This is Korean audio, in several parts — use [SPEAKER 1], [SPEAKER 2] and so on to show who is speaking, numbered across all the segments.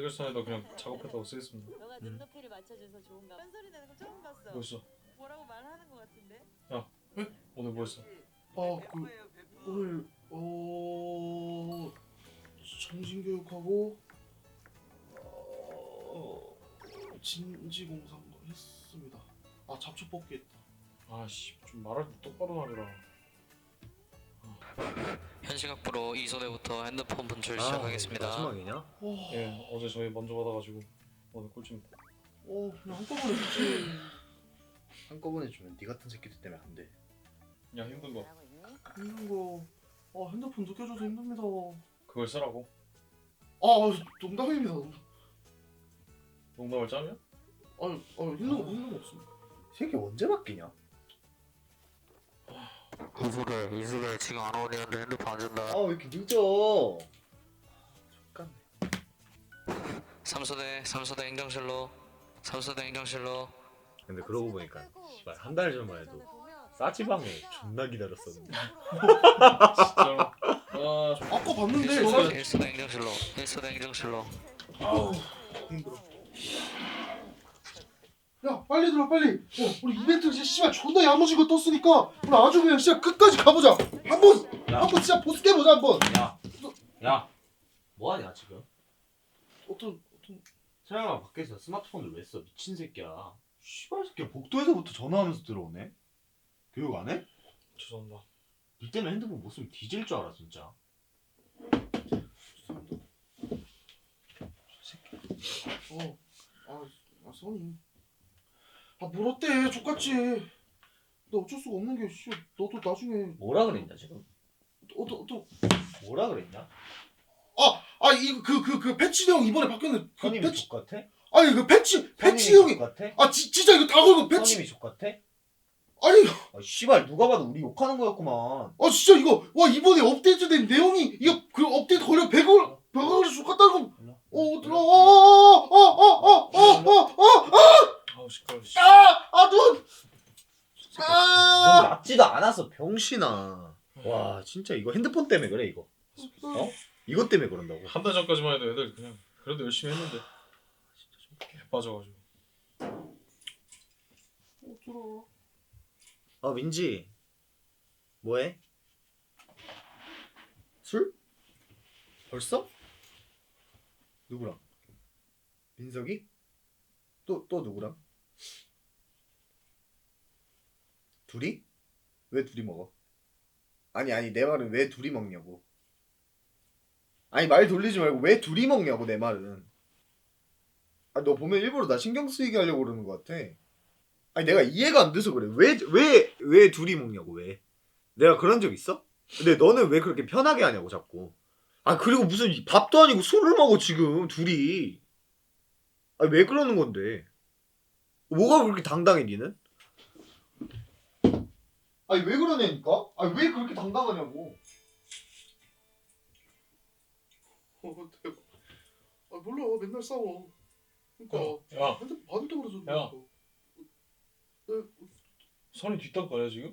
[SPEAKER 1] 신경전에도 그냥 작업했다고 쓰겠습니다.
[SPEAKER 2] 너가 눈높이를 맞춰줘서 좋은가 봐. 딴소리 내는 거 처음 봤어.
[SPEAKER 1] 뭐 있어?
[SPEAKER 2] 뭐라고 말하는 거 같은데?
[SPEAKER 1] 오늘 뭐 했어?
[SPEAKER 3] 오늘 정신교육하고 진지공상도 했습니다. 잡초 뽑기 했다.
[SPEAKER 1] 아씨 좀 말할 때 똑바로 말해라.
[SPEAKER 4] 현시각부로 이소대부터 핸드폰 분출 시작하겠습니다.
[SPEAKER 5] 마지막이냐?
[SPEAKER 1] 예 어제 저희 먼저 받아가지고 오늘 꿀팁.
[SPEAKER 3] 그냥 한꺼번에 했지.
[SPEAKER 5] 한꺼번에 주면 네 같은 새끼들 때문에 안 돼.
[SPEAKER 1] 야 힘든 거
[SPEAKER 2] 잘하고 있니?
[SPEAKER 3] 힘든 거. 핸드폰 느껴줘서 힘듭니다.
[SPEAKER 1] 그걸 쓰라고.
[SPEAKER 3] 농담입니다.
[SPEAKER 1] 농담을 짜면?
[SPEAKER 3] 힘든 거 없습니다.
[SPEAKER 5] 새끼 언제 바뀌냐?
[SPEAKER 4] 이소대 지금 안 어울리는데 핸드폰 안 준다.
[SPEAKER 5] 왜 이렇게 늦어? 잠깐.
[SPEAKER 4] 삼소대 행정실로.
[SPEAKER 5] 근데 그러고 보니까 씨발 한 달 전만 해도 싸지방에 존나 기다렸었는데.
[SPEAKER 1] 진짜로.
[SPEAKER 3] 아까 봤는데
[SPEAKER 4] 일소대 행정실로.
[SPEAKER 3] 아우 힘들어. 야 빨리 들어 빨리. 우리 이벤트 이제 씨발 존나 야무지게 떴으니까 우리 아주 그냥 진짜 끝까지 가보자. 한번 진짜 보스해보자 한번.
[SPEAKER 5] 야, 뭐하냐 지금?
[SPEAKER 3] 어떤
[SPEAKER 5] 세영아 밖에서 스마트폰을 왜 써? 미친 새끼야. 씨발 새끼야 복도에서부터 전화하면서 들어오네. 교육 안 해?
[SPEAKER 1] 죄송합니다.
[SPEAKER 5] 니 때문에 핸드폰 못 쓰면 뒤질 줄 알아 진짜.
[SPEAKER 3] 써니. 뭘 어때? 족같지. 너 어쩔 수가 없는 게 씨. 너도 나중에
[SPEAKER 5] 뭐라 그랬냐 지금?
[SPEAKER 3] 어떤
[SPEAKER 5] 뭐라 그랬냐?
[SPEAKER 3] 이거 그 패치형 이번에 바뀌었는데 그
[SPEAKER 5] 선임이
[SPEAKER 3] 패치
[SPEAKER 5] 족같아?
[SPEAKER 3] 아니 그 패치 형이
[SPEAKER 5] 족같아?
[SPEAKER 3] 진짜 이거 다 걸고 패치
[SPEAKER 5] 선임이 족같아?
[SPEAKER 3] 아니
[SPEAKER 5] 씨발 누가 봐도 우리 욕하는 거였구만.
[SPEAKER 3] 진짜 이거 이번에 업데이트된 내용이 이거 그 업데이트 걸려 100원을 족같다는 거
[SPEAKER 1] 아우 시끄러워.
[SPEAKER 3] 눈!
[SPEAKER 5] 넌 낫지도 않았어 병신아. 와 진짜 이거 핸드폰 때문에 그래 이거. 이것 때문에 그런다고.
[SPEAKER 1] 한 달 전까지만 해도 애들 그냥 그래도 열심히 했는데 진짜 좀 개빠져가지고.
[SPEAKER 3] 어쩌라.
[SPEAKER 5] 민지 뭐해? 술? 벌써? 누구랑? 민석이? 또 누구랑? 둘이? 왜 둘이 먹어? 아니 내 말은 왜 둘이 먹냐고. 아니 말 돌리지 말고 왜 둘이 먹냐고 내 말은. 너 보면 일부러 나 신경 쓰이게 하려고 그러는 것 같아. 아니 내가 이해가 안 돼서 그래. 왜 둘이 먹냐고 왜. 내가 그런 적 있어? 근데 너는 왜 그렇게 편하게 하냐고 자꾸. 그리고 무슨 밥도 아니고 술을 먹어 지금 둘이. 왜 그러는 건데. 뭐가 그렇게 당당해 니는? 왜 그러냐니까? 왜 그렇게 당당하냐고.
[SPEAKER 3] 대박. 몰라 맨날 싸워. 그러니까
[SPEAKER 1] 야
[SPEAKER 3] 핸드폰 받을 때 그러죠.
[SPEAKER 1] 야. 선이 뒷담가야 지금?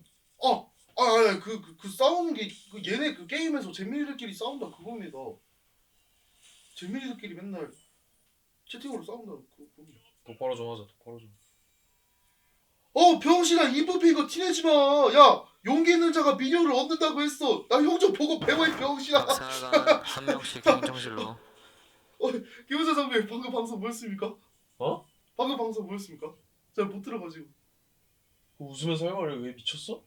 [SPEAKER 3] 그 싸우는 게 얘네 그 게임에서 재민이들끼리 싸운다 그겁니다. 재민이들끼리 맨날 채팅으로 싸운다 그겁니다.
[SPEAKER 1] 똑바로 좀 하자. 똑바로 좀.
[SPEAKER 3] 병신아 인프피 이거 티내지 마. 야 용기 있는 자가 미녀를 얻는다고 했어. 나 형 좀 보고 배워 이 병신아.
[SPEAKER 4] 박사관 한 명씩 행정실로.
[SPEAKER 3] 김은재 선배 방금 방송 뭐였습니까?
[SPEAKER 1] 어?
[SPEAKER 3] 방금 방송 뭐였습니까? 잘 못 들어가지고.
[SPEAKER 1] 웃으면서 할 말을 왜 미쳤어?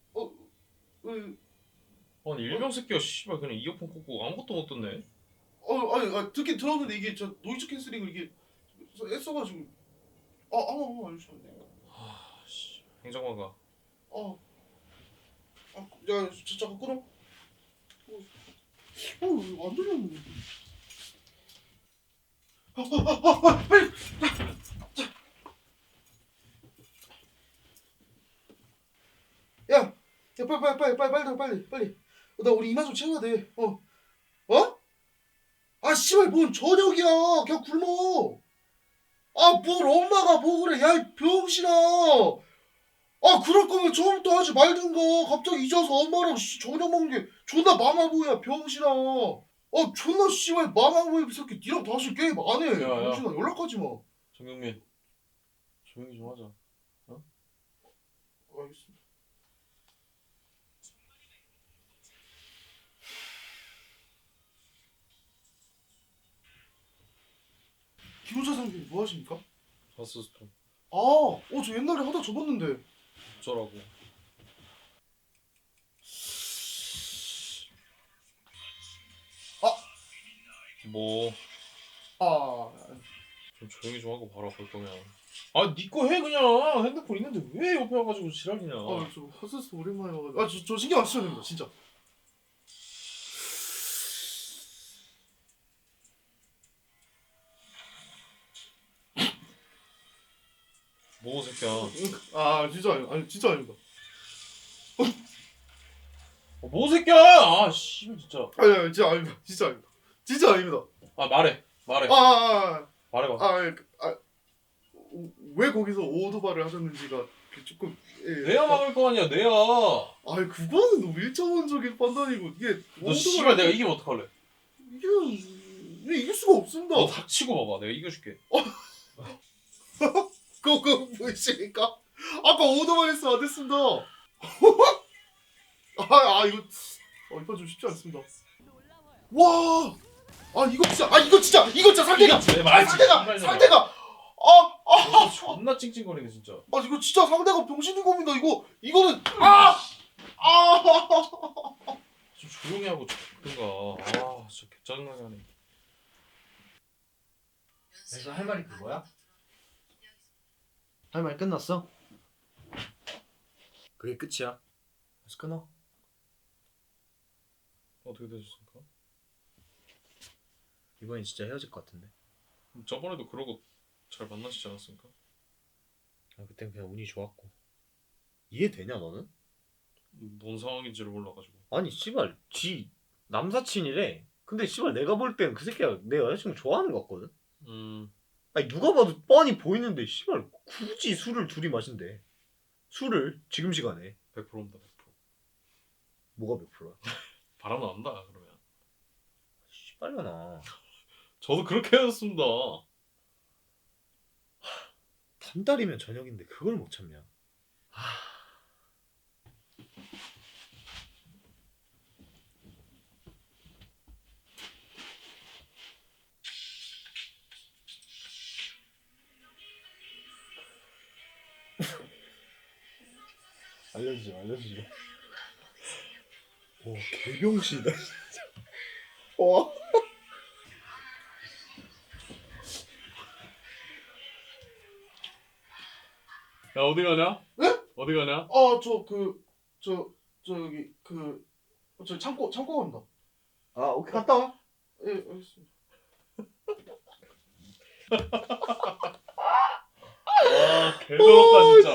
[SPEAKER 1] 아니 일병 새끼가 씨발 그냥 이어폰 꽂고 아무것도 못 듣네.
[SPEAKER 3] 듣긴 들었는데 이게 저 노이즈 캔슬링을 이게 했어가지고 한번 알려주시면 돼요.
[SPEAKER 1] 씨 행정관가.
[SPEAKER 3] 야 잠깐 끊어. 안 들렸는데. 빨리. 야 빨리. 나 우리 이마 좀 채워야 돼. 씨발 뭔 저녁이야. 그냥 굶어. 뭘 엄마가 먹으래. 야 이 병신아. 그럴 거면 처음부터 하지 말든가. 갑자기 잊어서 엄마랑 저녁 먹는 게 존나 마마보야 병신아. 존나 씨발 망하고 이 새끼 니랑 다시 게임 안 해.
[SPEAKER 1] 야, 야.
[SPEAKER 3] 병신아 연락하지 마.
[SPEAKER 1] 정경민 조용히 좀 하자.
[SPEAKER 3] 알겠습니다. 김호자 선생님 뭐 하십니까?
[SPEAKER 1] 바스스톤
[SPEAKER 3] 저 옛날에 하다 접었는데.
[SPEAKER 1] 어쩌라고. 뭐 좀 조용히 좀 하고 봐라 볼 거면. 니 거 해 그냥. 핸드폰 있는데 왜 옆에 와가지고 지랄이냐.
[SPEAKER 3] 저 헛스스 오랜만에 와가지고. 저 신경 안 쓰셔도 됩니다, 진짜.
[SPEAKER 1] 뭐 새끼야.
[SPEAKER 3] 진짜 아니 진짜 아닙니다.
[SPEAKER 1] 뭐 새끼야. 씨발 진짜.
[SPEAKER 3] 아니 진짜 아닙니다. 진짜 아닙니다. 진짜 아닙니다.
[SPEAKER 1] 말해.
[SPEAKER 3] 아,
[SPEAKER 1] 말해봐.
[SPEAKER 3] 왜 거기서 오도발을 하셨는지가 조금
[SPEAKER 1] 내야 막을 거 아니야 내야.
[SPEAKER 3] 그거는 너무 일차원적인 판단이고 이게
[SPEAKER 1] 너 씨발 내가 이기면 어떡할래?
[SPEAKER 3] 이길 수가 없습니다.
[SPEAKER 1] 너 닥치고 봐봐. 내가 이겨줄게.
[SPEAKER 3] 그거 보이십니까? 아까 오도발 했으면 안 됐습니다. 이거 좀 쉽지 않습니다. 와, 이거 진짜 상대가
[SPEAKER 1] 이겼지, 내 말이지.
[SPEAKER 3] 상대가
[SPEAKER 1] 너 존나 찡찡거리네 진짜.
[SPEAKER 3] 이거 진짜 상대가 병신인 겁니다. 이거는
[SPEAKER 1] 좀 조용히 하고 듣든가. 진짜 개짜증나게 하네.
[SPEAKER 5] 그래서 할 말이 그거야? 할 말 끝났어? 그게 끝이야. 그래서 끊어.
[SPEAKER 1] 어떻게 되셨습니까?
[SPEAKER 5] 이번엔 진짜 헤어질 것 같은데.
[SPEAKER 1] 저번에도 그러고 잘 만나시지 않았습니까?
[SPEAKER 5] 그땐 그냥 운이 좋았고. 이해되냐 너는?
[SPEAKER 1] 뭔 상황인지를 몰라가지고.
[SPEAKER 5] 아니 씨발 지 남사친이래. 근데 씨발 내가 볼 땐 그 새끼가 내 여자친구 좋아하는 것 같거든. 아니 누가 봐도 뻔히 보이는데 씨발 굳이 술을 둘이 마신대. 술을 지금 시간에.
[SPEAKER 1] 100%입니다 100%.
[SPEAKER 5] 뭐가 100%야?
[SPEAKER 1] 바람 난다 그러면.
[SPEAKER 5] 씨발려나.
[SPEAKER 1] 저도 그렇게 헤어졌습니다.
[SPEAKER 5] 단달이면 저녁인데 그걸 못 참냐. 알려주지 마. 와 개병신이다 진짜. 와.
[SPEAKER 1] 야 어디 가냐?
[SPEAKER 3] 네?
[SPEAKER 1] 어디 가냐?
[SPEAKER 3] 저 창고 갑니다.
[SPEAKER 5] 오케이 갔다 와.
[SPEAKER 3] 예, 알겠습니다.
[SPEAKER 1] 개더럽다 진짜.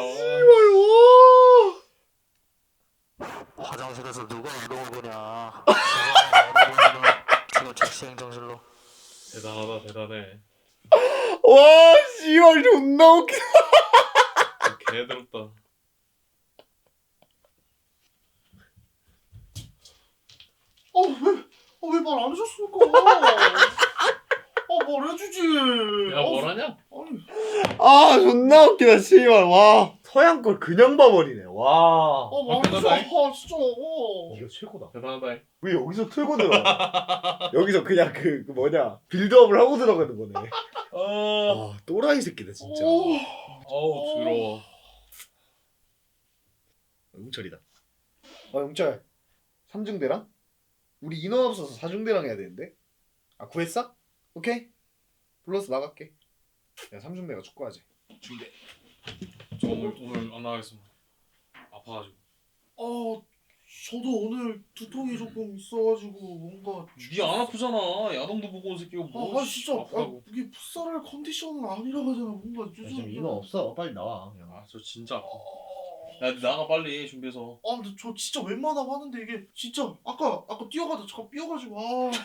[SPEAKER 4] 화장실에서 누가 운동을 보냐. 지금 즉시 행정실로.
[SPEAKER 1] 대단해.
[SPEAKER 5] 와 씨발 존나 웃겨.
[SPEAKER 1] 개더럽다.
[SPEAKER 3] 왜 말 안 해줬습니까? 말해주지.
[SPEAKER 1] 야 뭐라냐?
[SPEAKER 3] 아니,
[SPEAKER 5] 존나 웃기다 씨발. 와 서양 걸 그냥 봐버리네. 와
[SPEAKER 3] 말해줘. 진짜.
[SPEAKER 5] 이거 최고다.
[SPEAKER 1] 대단하다.
[SPEAKER 5] 왜 여기서 틀고 들어가? 여기서 그냥 그 뭐냐 빌드업을 하고 들어가는 거네. 와 또라이 새끼다 진짜.
[SPEAKER 1] 어우 더러워.
[SPEAKER 5] 용철이다. 용철 3중대랑? 우리 인원 없어서 4중대랑 해야 되는데? 구했어? 오케이 불러서 나갈게. 야 3중대가 축구하지. 중대.
[SPEAKER 1] 저 오늘 안 나가겠습니다. 아파가지고.
[SPEAKER 3] 저도 오늘 두통이 조금 있어가지고 뭔가.
[SPEAKER 1] 니 안 아프잖아. 야동도 보고 온 새끼가 뭐.
[SPEAKER 3] 진짜.
[SPEAKER 1] 아프다고.
[SPEAKER 3] 이게 풋살할 컨디션은 아니라고 하잖아. 뭔가
[SPEAKER 5] 지금 인원 없어. 빨리 나와.
[SPEAKER 1] 저 진짜 아파. 야 나가 빨리 준비해서.
[SPEAKER 3] 근데 저 진짜 웬만하면 하는데 이게 진짜 아까 뛰어가다 잠깐 삐어가지고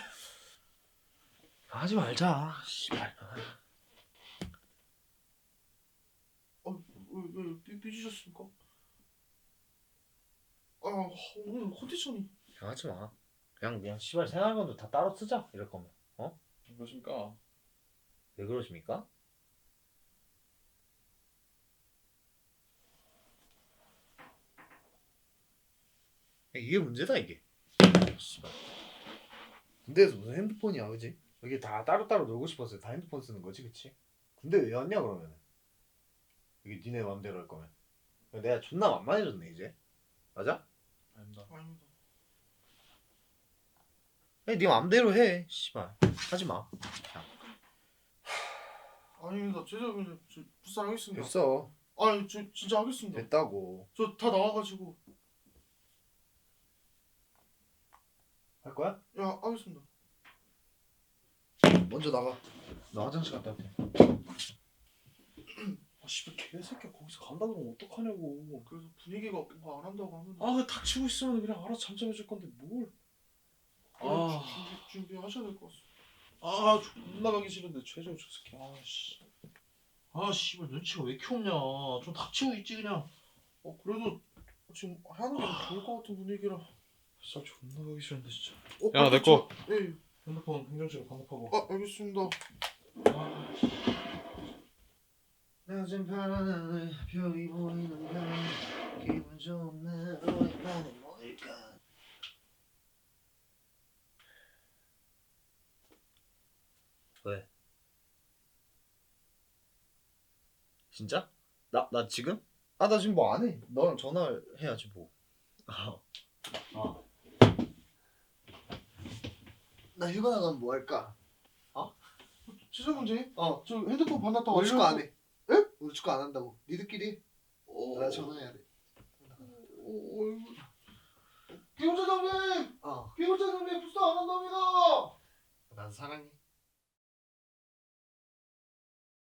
[SPEAKER 5] 하지 말자. 씨발.
[SPEAKER 3] 왜 삐지셨습니까? 오늘 컨디션이.
[SPEAKER 5] 하지 마. 그냥 씨발 생활건도 다 따로 쓰자 이럴 거면. 어?
[SPEAKER 1] 그러십니까?
[SPEAKER 5] 왜 그러십니까? 이게 문제다 이게. 씨발. 군대에서 무슨 핸드폰이야, 그지? 이게 다 따로따로 놀고 싶었어요. 다 핸드폰 쓰는 거지, 그치? 군대 왜 왔냐 그러면? 이게 니네 맘대로 할 거면. 내가 존나 만만해졌네 이제. 맞아?
[SPEAKER 1] 아닙니다.
[SPEAKER 3] 아닙니다.
[SPEAKER 5] 네 맘대로 해. 씨발. 하지 마.
[SPEAKER 3] 아닙니다. 죄송합니다. 저 불쌍하겠습니다.
[SPEAKER 5] 됐어.
[SPEAKER 3] 아니 저 진짜 하겠습니다.
[SPEAKER 5] 됐다고.
[SPEAKER 3] 저 다 나와가지고
[SPEAKER 5] 할 거야?
[SPEAKER 3] 야 하겠습니다.
[SPEAKER 5] 먼저 나가. 나 화장실 갔다 올게.
[SPEAKER 1] 아 씨발 개새끼야 거기서 간다 그러면 어떡하냐고.
[SPEAKER 3] 그래서 분위기가 뭐 안 한다고 하면
[SPEAKER 1] 아 닥치고 있으면 그냥 알아서 잠잠해질 건데 뭘. 아.
[SPEAKER 3] 준비하셔야 될 것 같습니다.
[SPEAKER 1] 아 존나 가기 싫은데 최저 저 새끼. 아씨. 아 씨발 눈치가 왜 이렇게 없냐. 좀 닥치고 있지 그냥.
[SPEAKER 3] 그래도 지금 하는 게 좋을 것 같은 분위기라.
[SPEAKER 1] 진짜 존나 가기 싫은데 진짜.
[SPEAKER 3] 야,
[SPEAKER 1] 내 거.
[SPEAKER 3] 예.
[SPEAKER 1] 핸드폰 행정실에 반납하고.
[SPEAKER 3] 알겠습니다.
[SPEAKER 1] 아,
[SPEAKER 5] 낮은 파란 하늘 별이 보이는가 기분 좋은 날 너의 밤은 뭘까. 왜? 진짜? 나 지금? 아 나 지금 뭐 안 해. 너랑 전화를 해야지 뭐. 나 휴가 나가면 뭐 할까?
[SPEAKER 3] 지성훈지?
[SPEAKER 5] 어.
[SPEAKER 3] 저 핸드폰 반납다
[SPEAKER 5] 오늘 축구 안
[SPEAKER 3] 완료하고-
[SPEAKER 5] 해. 에? 오늘 축구 안 한다고. 니들끼리? 나 전화해야 돼.
[SPEAKER 3] 기호자 장님!
[SPEAKER 5] 어.
[SPEAKER 3] 기호자 장님 부스 안 한답니다!
[SPEAKER 5] 난 사랑해.